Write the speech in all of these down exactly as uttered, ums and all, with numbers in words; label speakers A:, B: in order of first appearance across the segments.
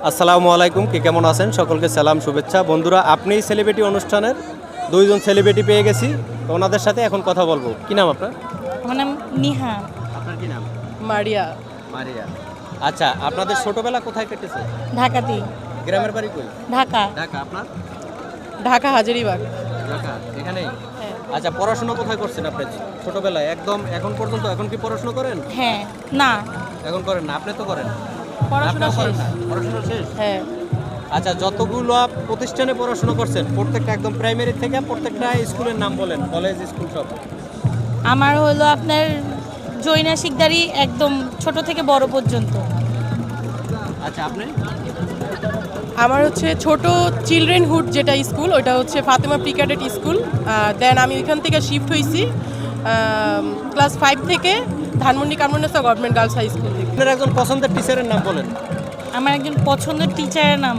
A: আসসালামু আলাইকুম, কে কেমন আছেন? সকলকে সালাম, শুভেচ্ছা। বন্ধুরা, আপনি সেলিব্রিটি অনুষ্ঠানের দুইজন সেলিব্রিটি পেয়ে গেছি, তো ওনাদের সাথে এখন কথা বলবো। কি নাম আপনার?
B: আমার নাম নিহা।
A: আপনার কি নাম?
C: মারিয়া।
A: মারিয়া। আচ্ছা, আপনাদের ছোটবেলা কোথায় কেটেছে?
B: ঢাকাতেই।
A: গ্রামের বাড়ি কই?
B: ঢাকা।
A: ঢাকা। আপনার?
C: ঢাকা হাজারীবাগ।
A: ঢাকা, এখানেই?
C: হ্যাঁ।
A: আচ্ছা, পড়াশোনা কোথায় করছেন আপনি ছোটবেলায়? একদম এখন পর্যন্ত এখন কি পড়াশোনা করেন?
B: হ্যাঁ। না,
A: এখন করেন না, আপনি তো করেন?
C: পড়াশোনা
A: আপনিও করেন
C: শেষ।
A: না? পড়াশোনা শেষ?
C: হ্যাঁ।
A: আচ্ছা, যতগুলো প্রতিষ্ঠানে পড়াশোনা করছেন প্রত্যেকটা একদম প্রাইমারি থেকে প্রত্যেকটা স্কুলের নাম বলেন, কলেজ স্কুল সব।
B: আমার হলো আপনার জৈনা শিকদারি একদম ছোট থেকে বড় পর্যন্ত।
A: আচ্ছা, আপনি?
C: আমার হচ্ছে ছোট চিলড্রেন হুড যেটা স্কুল, ওটা হচ্ছে Fatema pre cadet school. Then আমি ওইখান থেকে শিফট হয়েছি ক্লাস ফাইভ থেকে Dhanmondi Kamrunnesa government girls high school থেকে।
A: আপনার একজন পছন্দের টিচারের নাম বলেন।
B: আমার একজন পছন্দের টিচারের নাম,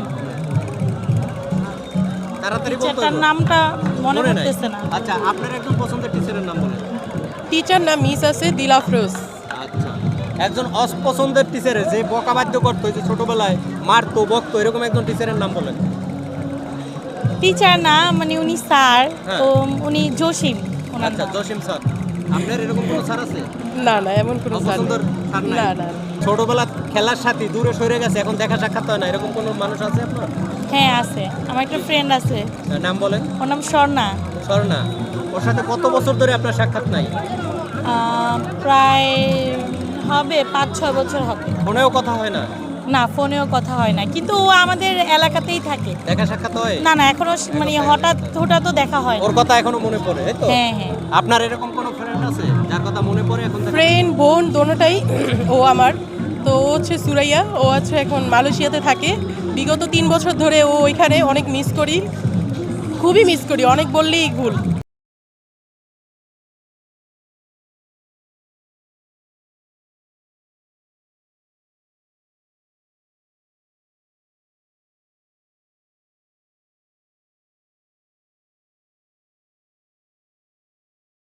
A: তাড়াতাড়ি বলতে
B: টিচারটার
A: হইব।
B: নামটা মনে
A: মনে নাই?
B: পড়তেছে না।
A: আচ্ছা, আপনার একজন পছন্দের টিচারের নাম বলেন।
C: টিচার নাম মিস আছে দিলাফরোজ।
A: আচ্ছা, একজন অপছন্দের টিচারের যে বকা বাধ্য করতো, যে ছোটবেলায় মারতো বকতো, এরকম একজন টিচারের নাম বলেন।
B: টিচার না, মানে উনি স্যার,
A: হ্যাঁ।
B: তো উনি জসিম ওনার
A: আচ্ছা,
B: নাম।
A: জসিম স্যার। আপনার এরকম কোনো স্যার আছে?
C: না না, এমন কোনো স্যার
A: অপছন্দের
C: নেই।
A: স্যার নাই?
C: না না।
A: ছোটবেলা খেলার সাথে দূরে সরে গেছে, এখন দেখা সাক্ষাৎ হয় না, এরকম কোনো মানুষ আছে আপনার?
B: হ্যাঁ আছে, আমার একটা ফ্রেন্ড আছে,
A: নাম বলেন।
B: ওর নাম স্বর্ণা।
A: স্বর্ণা। ওর সাথে কত বছর ধরে আপনার সাক্ষাৎ নাই?
B: আহ, প্রায় হবে পাঁচ ছয় বছর হবে।
A: ফোনেও কথা হয় না?
B: না, ফোনেও কথা হয় না, কিন্তু ও আমাদের এলাকাতেই থাকে।
A: দেখা সাক্ষাৎ হয়?
B: না না, এখনো স- মানে হঠাৎ হঠাৎও দেখা হয় না।
A: ওর কথা এখনো মনে পড়ে, এই তো?
B: হ্যাঁ হ্যাঁ।
A: আপনার এরকম কোনো ফ্রেন্ড আছে যার কথা মনে পড়ে এখন? দেখা-
C: ফ্রেন্ড বোন দোনোটাই ও আমার। তো ও হচ্ছে সুরাইয়া, ও আছে এখন মালয়েশিয়াতে থাকে। বিগত তিন বছর ধরে ও ওইখানে, অনেক মিস করি, খুবই মিস করি, অনেক বললেই ভুল।